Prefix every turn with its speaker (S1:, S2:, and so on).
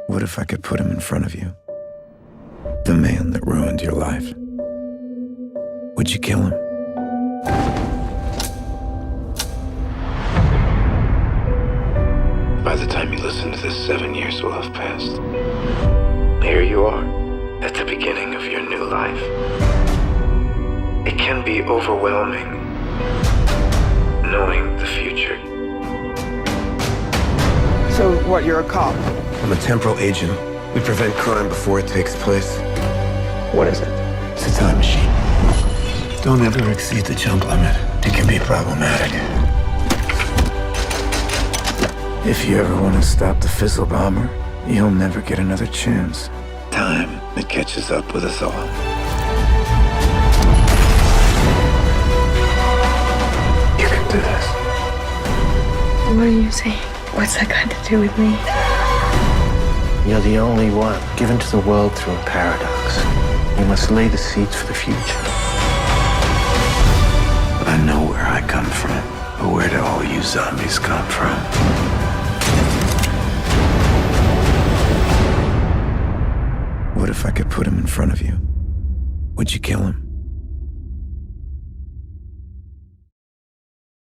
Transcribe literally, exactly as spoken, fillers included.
S1: What if I could put him in front of you? The man that ruined your life. Would you kill him? By the time you listen to this, seven years will have passed. Here you are, at the beginning of your new life. It can be overwhelming, knowing the future.
S2: So what, you're a cop?
S1: I'm a temporal agent. We prevent crime before it takes place.
S2: What is it?
S1: It's a time machine. Don't ever exceed the jump limit. It can be problematic. If you ever want to stop the Fizzle Bomber, you'll never get another chance. Time, it catches up with us all. You can do this.
S3: What are you saying? What's that got to do with me?
S4: You're the only one given to the world through a paradox. You must lay the seeds for the future.
S1: I know where I come from, but where do all you zombies come from? What if I could put him in front of you? Would you kill him?